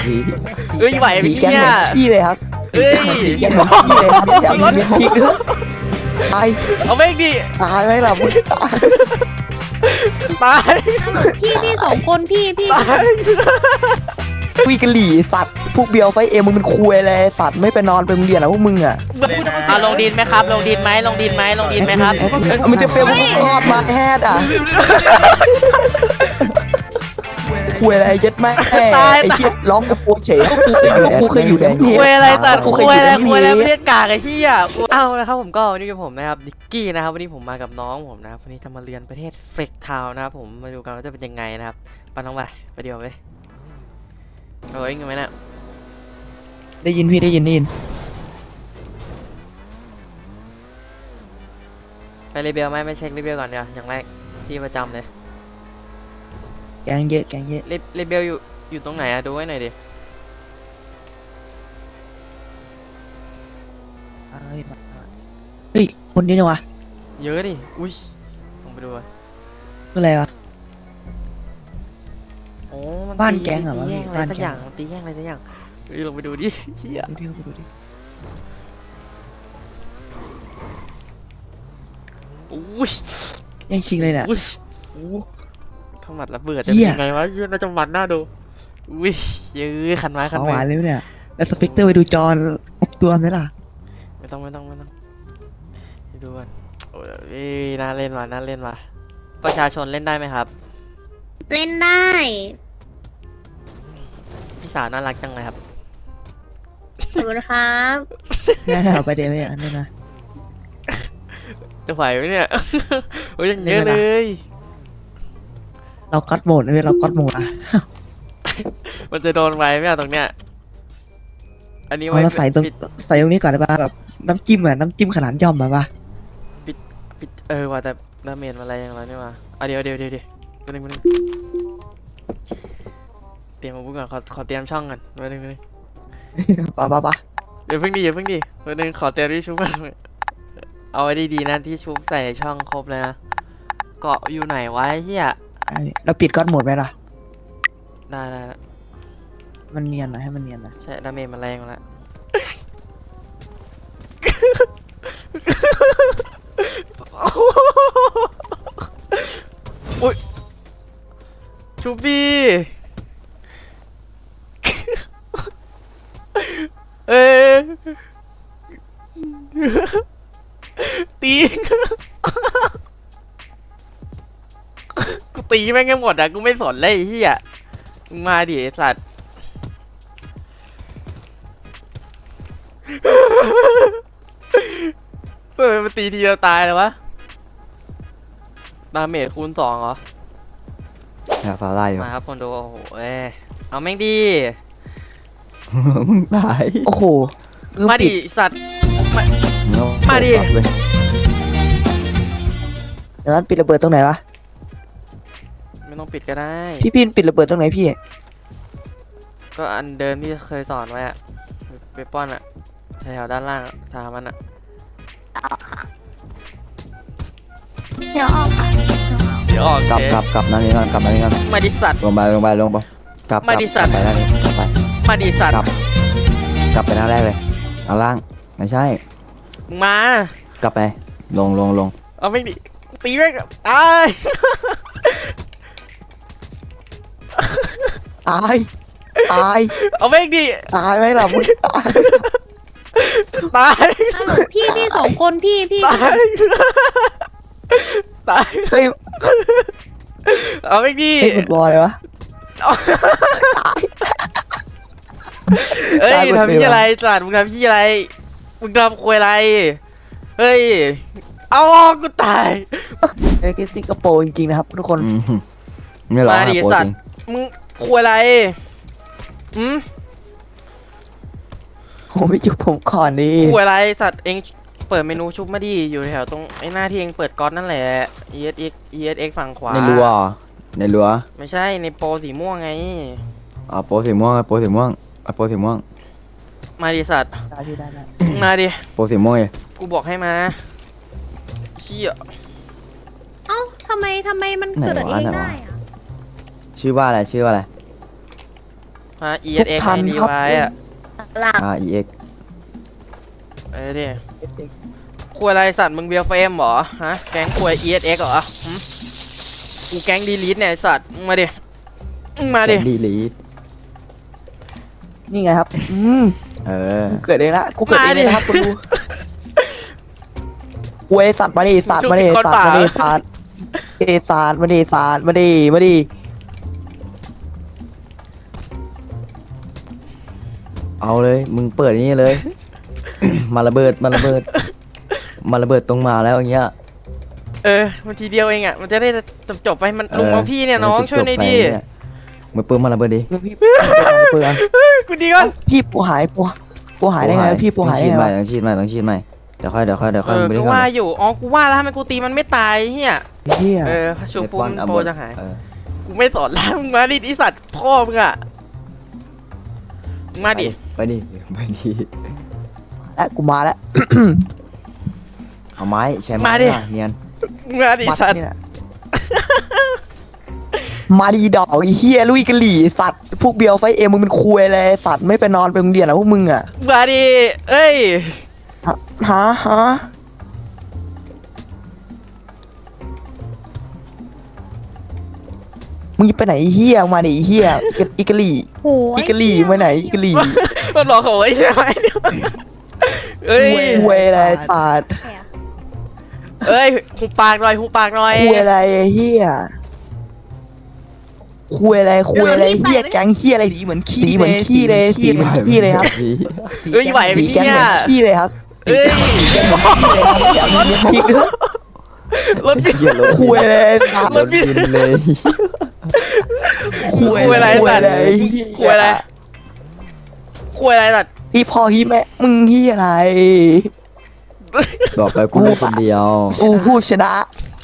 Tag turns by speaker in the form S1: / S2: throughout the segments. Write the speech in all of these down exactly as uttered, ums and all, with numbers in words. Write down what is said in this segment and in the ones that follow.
S1: เอ้ยไหวไหม
S2: สีแกง
S1: เนี่
S2: เห
S1: ย
S2: มือนพี่เลยครับ
S1: เอ้ย
S2: สีแกงเหมือนพี่เลยครับอย่ามีเม็ดพริกด้วยตาย
S1: เอาแม่งดิ
S2: ตายไหมล่ะมึงตาย
S1: ตาย
S3: พี่พี่สองคนพี่พี่
S1: ตาย
S2: คุยกะหลี่สัตว์พวกเบียวไฟเอ็มมึงเป็นคุยเลยสัตว์ไม่ไปนอนไปโรงเรียนอ่ะพวกมึงอ่ะ
S1: อ่ะลงดินไหมครับ ลงดินไหมลงดินไหมลงดินไหมครับ
S2: มันจะเฟลมึงคลอดมาแฮดอ่ะคุยอะไรยัดแม่ไอ้เหี้ยร้องกับกูเฉยก็กูเคยอยู่ก็กูเคยอยู่ใน
S1: คุยอะไรตัด
S2: กูเค
S1: คุ
S2: ย
S1: ย
S2: อยู่
S1: อะไร
S2: ใน
S1: คุยอะไร
S2: นี้
S1: ไม่ได้กากไอ้ที่อ่ะเอานะครับผมก็วันนี้กับผมนะครับนิกกี้นะครับวันนี้ผมมากับน้องผมนะครับวันนี้จะมาเรียนประเทศเฟกทาวน์นะครับผมมาดูกันว่าจะเป็นยังไงนะครับไปน้องไปไปเดียวไปเอาเองกันไหมเนี่ย
S2: ได้ยินพี่ได้ยินได้ยิน
S1: ไปรีเบลไหมไม่เช็ครีเบลก่อนเดี๋ยวอย่างแรกที่ประจำเลย
S2: แกงเยอะแกงเยอะ
S1: รีรีเบลอยู่อยู่ตรงไหนอะดูไว้หน่อยดิ
S2: เฮ้ยคนเยอะจังวะ
S1: เยอะดิอุ้ยลองไปดูอะ
S2: คืออะไรวะ
S1: โอ้มัน
S2: บ้าน
S1: ตี
S2: แก๊งเหรอ
S1: ตี
S2: วะ
S1: แย่ง
S2: พี่
S1: อะไร
S2: บ้าน
S1: สัก
S2: แก๊ง
S1: อย่างมันตีแย่งอะไรสักอย่างเฮ้ยลงไปดูดิเชี่ย
S2: ดูดิดูดิ
S1: อุ้ย
S2: ยังชิงเลยเนี่ย
S1: อุ้ยอู้ทำหมัดระเบิดจะ
S2: เหี้
S1: เป็น
S2: ย
S1: ยังไงวะเหี้ยน่าจะหมัดหน้าดูอุ้ยเยอะขันไม้ขัน
S2: ขาว
S1: ไม้
S2: หวานเลยเนี่ยแล้วสเปกเตอร์ไปดูจอครบตัวไหมล่ะ
S1: ไม่ต้องไม่ต้องไม่ต้องไปดูกันโอ้ยน่าเล่นว่ะน่าเล่นว่ะประชาชนเล่นได้ไหมครับ
S3: เล่นได้
S1: พี่สาวน่ารักจังเลยครับ
S3: ขอบคุณครับ
S2: แน่ๆไปเดี๋ยวไปอันนี้นะ
S1: จะไหวไหมเนี่ย โอ้ยยังเยอะ
S2: เล่
S1: เล
S2: นไหมล่ะ
S1: ย
S2: เราก็อดโหมดเลยเราก็อดโหมดอ่ะ
S1: มันจะโดนไว้ไหมอะตรงเนี้ย อันนี้
S2: เอา
S1: ไว้
S2: เราใส่ตรง
S1: ปิด
S2: ใส่ตรงนี้ก่อนได้ป่ะแบบน้ำจิ้มอ่ะน้ำจิ้มขนาดย่อมมาป่ะ
S1: ปิดเออว่าแต่ดาเมจอะไรอย่างไรเนี่ยมาอ่ะเดี๋ยวเดี๋ยวเดี๋ยวเดี๋ยวมาหนึ่งมาหนึ่งเตรียมอาวุธก่อนขอขอเตรียมช่องก่อนมาหนึ่งมาหนึ่ง
S2: ป่ะป่ะป่ะ
S1: เดี๋ยวเพิ่งดีเดี๋ยวเพิ่งดีมาหนึ่งขอเตรียมที่ชุบก่อนเอาไว้ดีๆนะที่ชุบใส่ช่องครบเลยนะ เกาะอยู่ไหนวะไอ้เฮีย
S2: เราปิดก็อดโหมดไหมล่ะ
S1: ได้ได้ได้
S2: มันเนียนนะให้มันเนียนนะ
S1: ใช่ดาเมจมันแรงมาแล้ว อุ้ยชุบดีเอ้ยตีกูตีแม่งกันหมดอะกูไม่สนเลยไอ้เหี้ยมึงมาดิไอ้สัตว์เฮ้ยมันตีทีเดียวตายเลยวะดาเมจคูณสองเหรอ
S4: อย่าฟ้าไล่อยู่
S1: มาครับคนดูโอ้โหเอ้ยเอาแม่งดี
S4: มึงตาย
S2: โอ้โห
S1: มาดิสัตว์ มาดิ
S4: เลย
S2: เดี๋ยวนั้นปิดระเบิดตรงไหนวะ
S1: ไม่ต้องปิดก็ได้
S2: พี่พินปิดระเบิดตรงไหนพี่
S1: ก็อันเดิมที่เคยสอนไว้อะเวปอนอะแถวๆด้านล่างอะสามมันอะ
S3: เดี๋ยวออกค่ะ
S1: เดี๋ยวออก
S4: กลับ
S1: เจ๊
S4: กลับกลับนั่นนี่ก่อนกลับนั่นนี่ก่อน
S1: มาดิสัตว์
S4: ลงไปลงไปลงไปกลับ
S1: มาดิสัตว์
S4: กลับไปด้านนี้กลับไป
S1: มาดิสัตว์
S4: กลับ กลับไปหน้าแรกเลยเอาล่างไม่ใช่
S1: มึงมาก
S4: ลับไปลงลงลง
S1: เอาแม่งดิตีแม่งตาย
S2: ตายตาย
S1: เอาแม่งดิ
S2: ตายไหมล่ะมึงตาย
S1: ตาย
S3: ฮัลโหลพี่พี่สองคนพี่พี่
S1: ตายตาย
S2: เฮ้ย
S1: เอาแม่งดิ
S2: เฮ้ยฟุตบอลเลยวะ
S1: เอ้ย
S2: ตายหมด
S1: ทำ
S2: เลย
S1: พี่
S2: วะ
S1: อะไรสัตว์มึงทำพี่อะไรมึงทำคุยอะไรเฮ้ยเอากูตาย
S2: ไอ้ที่กระโปรงจริงๆนะครับทุกคน
S4: อืมไม่ร้อง
S1: มาดิ
S4: หาโปร
S1: สั
S4: จ
S1: ต
S4: ริ
S1: ว์
S4: ง
S1: มึงคุยอะไรอืม
S2: ผมไม่จุบผมก่อนดิ
S1: คุยอะไรสัตว์เองเปิดเมนูชุบมาดิอยู่แถวตรงไอ้หน้าที่เองเปิดก๊อตนั่นแหละ E S X E S X ฝั่งขวา
S4: ในรั้วเหรอในรั้ว
S1: ไม่ใช่ในโปรสีม่วงไง
S4: อ๋อโปรสีม่วงโปรสีม่วงเอาโปรสีม่วง
S1: มาดิสัตว์
S2: ได้พี่ได้ได้
S1: มาดิ
S4: โปรสีม่วงเลย
S1: กูบอกให้มาเชี่ย
S3: เอ้าทำไมทำไมมันเกิดเองได้อะ
S4: ชื่อว่าอะไรชื่อว่าอะไร
S1: ฮะ e
S2: ทุ
S1: s
S2: ก
S1: x
S2: ทัน
S1: ไอรี
S2: ครับ
S1: ไว้อะ
S3: หลัก
S4: R E X
S1: เอ้ยดิคุยอะไรสัตว์มึงเบียร์เฟรมเหรอฮะแก๊งคุย e s x เหรอหึกูแก๊งดีลิทเนี่ยไอ้สัตว์มึงมาดิมึงมาดิ
S4: ดีลีท
S2: นี่ไงครับอืม
S4: เออ
S2: กูเกิดเองละกูเกิดเองเลยนะครับคุณดูควยสัตว์มาดิสัตว์มาดิสัตว์มาดิสัตว์เอสัตว์มาดิสัตว์มาดิมาดิ
S4: เอาเลยมึงเปิดนี่เลย มาระเบิดมาระเบิดมาระเบิดตรงมาแล้วอย่างเงี้ย
S1: เออมันทีเดียวเองอ่ะมันจะได้จบจบๆไปมัน
S4: เออ
S1: ลุงเอาพี่เนี่ยน้องช่วยหน่อยดิ
S4: จบๆไปเนี่ยมือปืนมาระเบิดดิ
S2: เงินพี่เปลือง
S1: กูดีก่อน
S2: พี่ปูหายปูปูหายได้ไงวะพี่ปูหายได้ไง
S4: ต้อง
S2: วะ
S4: ฉีดใหม่ต้องฉีดใหม่ต้องฉีดใหม่เดี๋ยวค่อยเดี๋ยวค่อยเดี๋ยว
S1: เอ
S4: ค่อย
S1: อ
S4: มึงไป
S1: กู
S4: เล่นก่อน
S1: ว่า
S4: เลย
S1: อยู่อ๋อกูว่าแล้วทำไมกูตีมันไม่ตายเฮีย
S2: เฮีย
S1: เออชูปูน
S4: เดี๋ยว
S1: โป
S4: บอล
S1: จะหาย
S4: เออ
S1: กูไม่สอนแล้วมึงมาดิไอสัตว์พ่อมึงอ่ะมึงมาดิ
S4: ไปดิไปดิ
S2: และกูมาแล้ว
S4: เอาไม้ใช้ไม้
S1: มาดิ
S4: น่ะเนียน
S1: มึงมาดิไอ้
S2: มัด
S1: สัตว์
S2: นี่แหละมาดีดอกไอ้เฮียลุยกะหลี่สัตว์พวกเบียวไฟเอ็มมึงเป็นคุยเลยสัตว์ไม่ไปนอนไปโรงเรียนแล้วพวกมึงอ่ะ
S1: มาดิเอ้ย
S2: ฮะฮะมึงจะไปไหนไอ้เฮียมาดิไอ้เฮียอีกะหลี่
S3: โห
S2: อีกะหลี่มาไหนอีกะหลี่
S1: มันหลอกเขาไอ้ใช่ไหมเนี่ยเอ้ย
S2: คุยอะไรสัตว์
S1: เอ้ยหูปากหน่อยหูปากหน่อย
S2: คุยอะไรไอ้เฮียคุยอะไรคุยอะไรเฮียแก๊งเฮียอะไรสีเหมือนขี้สีเหมือนขี้เลยสีเหมือนขี้เลยครับ
S1: เอ้ยไหวไหม
S2: สีแก๊ง
S1: เนี่
S2: เหมื
S1: ย
S2: อนขี้เลยครับ
S1: เอ้ย
S2: อย่ามีเลี้ยงพริกด้วย
S1: รถ
S4: เหี้ยรถ
S2: คุยอะไรสัตว์
S4: รถบินเลย
S2: คุยอะไร
S1: คุยอะไร
S2: คุยอะไร
S1: คุยอะไรคุยอะไรสัตว์
S2: พี่พ่อพี่แม่มึงเฮียอะไร
S4: บอกไปกูคนเดียว
S2: กูผู้ชนะ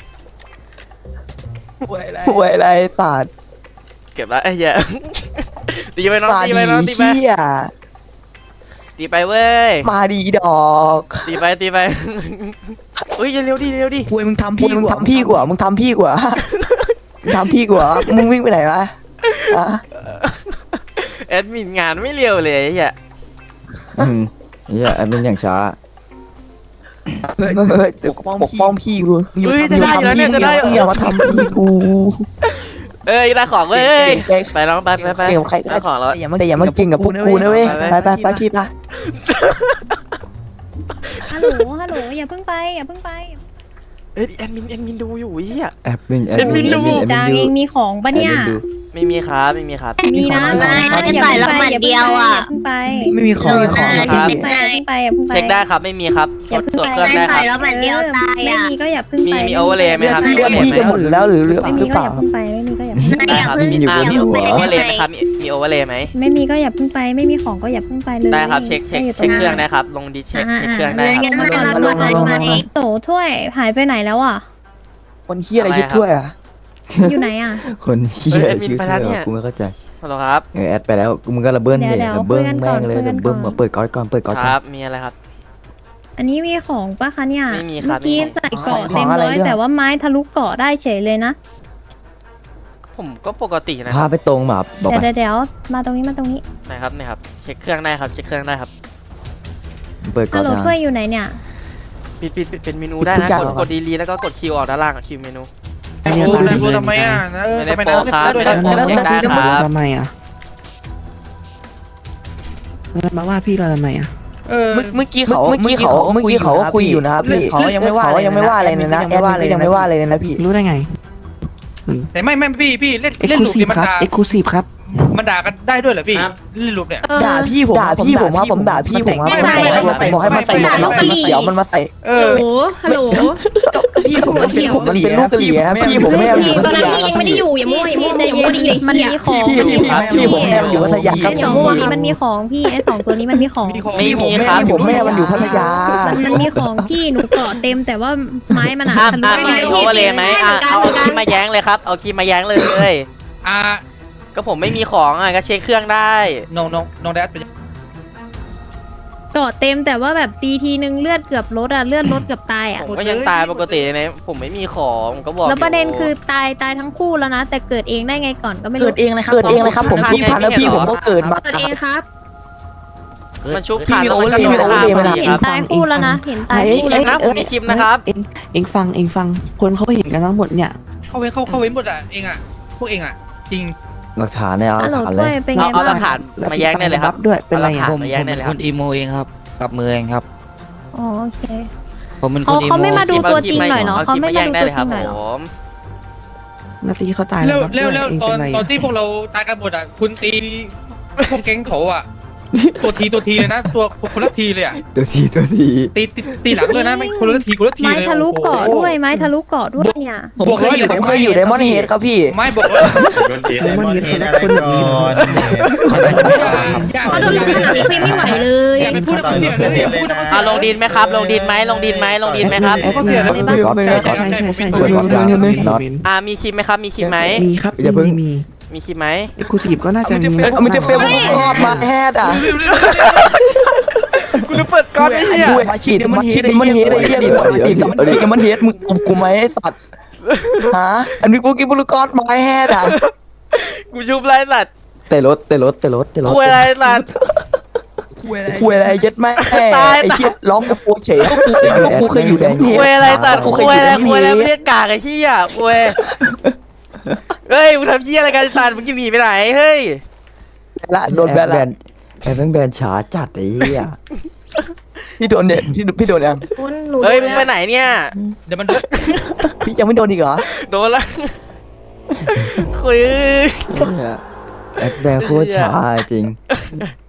S2: คุยอะไรคุยอะไรสัตว์
S1: เก็บแล้วไอ้เหี้ยตีไปน้อง
S2: มา
S1: ตี
S2: ดี
S1: ไปน้องตีไป
S2: เฮีย
S1: ตีไปเว้ย
S2: มาดีดอก
S1: ตีไปตีไปเฮ้ยเร็วดิเร็วดิ
S2: คุยมึงทำพี่มึงทำพี่กว่ามึงทำพี่กว่ามึงทำพี่กว่ามึงวิ่งไปไหนวะอะ
S1: แอดมินงานไม่เร็วเลยไอ้เหี้ย
S4: อืมเฮียไอ้เป็นอย่างช้า
S2: เฮ้ยเฮ้ยเดี๋ยวปกป้องพี่กู
S1: เฮ้ยจะได้อยู่แล้วเนี่ยจะได้
S2: มึงอย่ามาทำพี่กู
S1: เอ้ยได้ของเว้ย
S2: เก่ง
S1: ไปน้องไปไปไป
S2: เก่งกับใคร
S1: ได้ของแล้ว
S2: แต่อย่ามาแต่อย่ามาเก่งกับพวกกูนะเว้ยไปไปไปพี่ปะ
S3: ฮัลโหลฮัลโหลอย่าเพิ่งไปอย่าเพิ่งไป
S1: เอ้ยแอดมินแอดมินดูอยู่ไอ้เหี้ย
S4: แอปมินแอ
S1: เอ็
S4: ป
S1: มวิ
S4: มิน
S1: นดู
S4: แอปมิน
S3: จางเองมีของปะเนี่ย
S4: แอปมินดู
S1: ไม่มีครับไม่มีครับ
S3: มีนะ
S2: มีของ
S3: อย่า
S2: มี
S3: เพิ่ง
S2: ของ
S3: ไปอย่าเพิ่งไปอย่าเพิ่งไป
S2: ไม่มีของไม่มีของ
S3: อย่า
S2: ครับ
S3: เพิ่งไปอย่าเพิ่งไปอย่าเพิ่งไป
S1: เช็คได้ครับไม่มีครับตรวจตรวจเครื่องได้ครับ
S3: แล้วมันเดียวตายอ่ะไม่มีก็อย่าเพิ่งไป
S1: มีมีโอเวอร์เลย์ไหมครับ
S2: พี่ว่าพี่จะหมดแล้วหรือหรือ
S3: ไม่
S2: ห
S3: มี
S2: รือเป
S3: ก็อ
S2: ล่า
S3: ย่าเพิ่งไปไม่มีก็อย่าเพิ่งไป
S1: ได้ครับ
S4: มีอยู่
S1: อ่า
S4: บน
S1: มี
S4: หัว
S1: โอเวอร์เลย์ไหมครับมีมีโอเวอร์เลย์ไหม
S3: ไม่มีก็อย่าเพิ่งไปไม่มีของก็อย่าเพิ่งไปเลย
S1: ได้ครับเช็คเช็คเช็คเครื่องได้ครับลงดีเช็คเช็คเครื่องได้ครับ
S3: มาก่อนมาก่อนมาก่อนโตถ้วยหายไปไหนแล้วอ่ะ
S2: คนเฮียอะไรชื่อถ้วยอ่ะ
S3: อยู่ไหนอ่ะ
S4: คนเฮียชื่อเธอกูไม่เข้าใจ
S1: ฮัลโหลครับ
S4: เออแอดไปแล้วมึงก็ระเบิ้ลเลย
S3: เดี๋ยว
S4: ระเบิ้ล
S3: คุยกันก่
S4: แม่
S3: อน
S4: งเลย
S3: คุยกัน
S4: ระเบิ้ล
S3: ก่อน
S4: มาเปิดก๊อตก่อนเปิดก๊อต
S1: ค
S4: ก่อน
S1: รับมีอะไรครับ
S3: อันนี้มีของปะคะเนี่ย
S1: ไม่มีครับ
S3: เมื่อกี้
S1: ไม่มี
S3: ใส่เกาะเต็มร้อยแต่ว่าไม้ทะลุเกาะได้เฉยเลยนะ
S1: ผมก็ปกตินะค
S4: พา
S1: รับ
S4: ไปตรงมาบอก
S3: เดี๋ยว
S4: ไป
S3: เดี๋ยวมาตรงนี้มาตรงนี้
S1: นะครับนะครับเช็คเครื่องได้ครับเช็คเครื่องได้ครับ
S4: เปิดก๊
S3: ฮั
S4: อ
S3: ล
S4: ต
S3: โหล
S4: นะ
S3: ถ้วยอยู่ไหนเนี่ย
S1: ปิดปิดปิดเป็นเมนูได้นะกดกดดีลีแล้วก็กดคิวออกด้านล่างอะคิวเมนู
S5: ไอ้โอ้นายพูดทำไมอ่ะเออ
S1: ไม่ได้
S5: ทำไม
S1: โปร
S5: นาย
S1: ครับไม่ได้โปร
S2: แล้ว
S1: เช็คได้
S2: แล้ว
S1: ครับ
S6: ทำไมอ่ะแล้วมาว่าพี่เราทำไมอ่ะ
S5: เออ
S2: เมื่อเมื่อกี้เขาเมื่อกี้เขาเมื่อกี้เขาก็คุยอยู่นะครับพี่เขายังไม่ว่าเขายังไม่ว่าอะไรเลยนะแอดมินก็ยังไม่ว่าเลยนะพี่
S6: รู้ได้ไง
S5: แต่ไม่ไม่พี่พี่เล่น
S6: เอ็ก
S5: เล่น
S6: ซ์คลู
S5: ลูป
S6: ซีฟ
S5: เนี่ยมัน
S6: ครับ
S5: ด่า
S6: เอ็กซ์คลูซีฟครับ
S5: มันด่ากันได้ด้วยเหรอพี่เล่นลูปเนี่ย
S2: ด่าพี่ผมด่าพี่ผมว่าผมด่าพี่ผมว่าผมบอกให้มันใส่บอกให้มันใส่หมวกน็อกสีเขียวมันมาใส่
S5: เอ
S3: ฮัล
S5: อ
S3: โหลฮัลโหล
S2: พี่ผมมันพี่ผมมันเป็นลูกกะหรี่ครับพี่ผมแม่มันอยู่พัทยาครับพี่
S3: อย่ามั่วอย่ามั่วอย่ามั่วดิมันมีของ
S2: พี่พี่พี่พี่ผมแม่มันอยู่พัทยาครับ
S3: ไอ้สองตัวนี้มันมีของพี่ไอ้สองตัวนี้มันมีของ
S5: มีของ
S1: ไม่
S2: พี่ผม
S1: มี
S2: แม่
S1: ครับ
S2: ผมแม่มันอยู่พัทยา
S3: มันมีของพี่หนูเกาะเต็มแต่ว่าไม้มันอะ
S1: อ่ะ
S3: ทะลุ
S1: อ่ะ
S3: ไป
S1: มีโอเวอร์เลย์ไหมอ่ะเอาเอาคีย์มาแย้งเลยครับเอาคีย์มาแย้งเลย
S5: อ่า
S1: ก็ผมไม่มีของอ่ะก็เช็คเครื่องได้
S5: น้องน้องน้องแดดเป็น
S3: เอเกาะเต็มแต่ว่าแบบตีทีนึงเลือดเกือบลดอ่ะเลือดลดเกือบตายอ่ะ
S1: ผมก็ยังตายปกตินะผมไม่มีของผมก็บอก
S3: แล้วประเด็น
S1: ยู่
S3: คือตายตายทั้งคู่แล้วนะ แต่เกิดเองได้ไงก่อนก็ไม่รู้
S2: เกิดเองเลยครับเกิดเองเลยครับผมชุบทันแล้วพี่ผมก็เกิดมา
S3: เกิดเองครับ
S1: มันชุบ
S2: พี่
S1: ทัน
S2: มี
S1: แล้วมันก็
S2: โอเวอร์เลย์
S1: โดน
S2: มีโอเวอร์เลย์
S1: ฆ่า
S2: ไหม
S1: พอ
S2: ล่ะ
S1: ดี
S3: เห็
S1: คน รับ
S3: ตายคู่แล้วนะเห็นตาย
S1: มีคลิปนะผมมีคลิปนะครับ
S6: เองเองฟังเองฟังคนเขาเห็นกันทั้งหมดเนี่ย
S5: เข้าเว้นเข้าเข้าเว้นหมดอ่ะเองอ่ะพวกเองอ่ะจริง
S4: หลักฐานเนี่ยเอาห
S3: ฮั
S4: ลั
S3: ล
S4: ก
S3: โหล
S4: ฐานเล
S3: ด้วย
S4: ย
S3: เป็นไง
S1: เอาเอาหลั
S3: บ้าก ง
S1: ฐานมาแย้งได้เลยครับ
S6: ด้วยเป็นไร
S1: อาหลักฐา
S6: อ่ะ
S1: นมาแย้งได้เลยครับ
S7: อีโมเองครับกับมือเองครับ
S3: อ๋อโอเค
S7: ผมเป็นค
S3: เขา
S7: นอีโม
S3: เขาไม่มาดู
S1: คลิป
S3: ตัว
S1: คลิ
S3: จริ
S1: ป
S3: งหน่อยเนาะ
S1: ค
S3: เขา
S1: ลิป
S3: ไม่
S1: มาแย้
S3: มาง ดู
S1: ได้
S3: ตัว
S1: เลย
S3: จ
S1: ค
S3: ริ
S1: รับ
S3: งหน่อย
S1: ผ
S3: เหรอ
S1: ม
S6: นาทีเขาตาย
S5: แล้ว
S6: ครับ
S5: แล้วแล้ว
S6: เอง
S5: ตอ
S6: เป็น นไร
S5: ตอนที่พวกเราตายกันหมดอ่ะคุณตีพวกแก๊งเขาอ่ะตัวทีตัวทีเลยนะตัวคนละทีเลยอ่ะ
S4: ตัวทีตัวที
S5: ตีตีตีหลังเลยนะไม่คนละทีคนละที
S3: ไม้
S5: เลย
S3: ทะลุเกาะ
S5: โอ้โห
S3: ด้วยไม้ทะลุเกาะด้วยเนี่ย
S2: ผมเคยอยู่ผมเคยอยู่ไดมอนด์เฮดครับพี่
S5: ไม่บอกว่า
S6: ไดมอนด์เฮดเขาได้คนแบบนี้เหรอ
S3: เขาโดนขนาดนี้เพลงไม่ไหวเลย
S5: อย่าไปพูดอะไรเนี่ยเลยอย่าพูดอะไร
S1: อ่ะลงดินไหมครับ ลงดินไหมลงดินไหมลงดินไหมครับ
S6: แอดมิน
S5: ก็เสียแล้ว
S6: ก๊อต
S2: ไม่
S6: ใช่
S2: ไม่
S6: ใช่ใช่ใช่
S2: ไม่
S6: ก๊อต
S2: ไม่ไม่ไม่
S6: ก๊อต
S1: อ่ามีคลิปไหมครับมีคลิปไหม
S6: มีครับ
S4: อย่าเพิ่ง
S6: มีมี
S1: มีคลิปไหม
S6: เอ็กซ์คลูซีฟก็น่าจะมี
S2: เอามันจะเฟลผมรอดมาแฮดอ่ะ
S1: กูจะเปิดก้อนไอ้เหี้ย
S2: กูมาฉีดมาฉีดมันเฮดไอ้เหี้ยกูมาฉีดมันเฮดมึงเอากูไหมไอ้สัตว์ฮะอันนี้พวกกินบุลกอสมาแฮดอ่ะ
S1: กูชุบไรสัตว์
S4: เตะรถเตะรถเตะรถเตะรถ
S1: คุยอะไรสัตว์
S2: คุยอะไรยัดแม่ไอ้เหี้ยร้องกับโปเฉยก็กูก็กูเคยอยู่ไดมอนด์เฮด
S1: คุยอะไรสัตว์
S2: กูเค
S1: คุ
S2: ย
S1: ย
S2: อยู่
S1: อะไร
S2: ไดมอน
S1: คุย
S2: ด์
S1: อะไร
S2: เฮ
S1: ไม่
S2: ด
S1: ได้กากไอ้เหี้ยคุยเฮ้ยมึงทำเหี้ยอะไรกันสัตว์มึงจะหนีไปไหนเฮ้ย
S2: ละโดนแบน
S4: แบ
S2: ละ
S4: นแอบแบนแบนช้าจัดไอ้เหี้ย
S2: พี่โดนเนี่ยพี่พี่โดนยัง
S3: คุณหนู
S1: เฮ้ยมึงไปไหนเนี่ย
S5: เดี๋ยวมัน
S2: พี่ยังไม่โดนอีกเหรอ
S1: โดนละคุย
S4: แอบแบนโคตรช้าจริง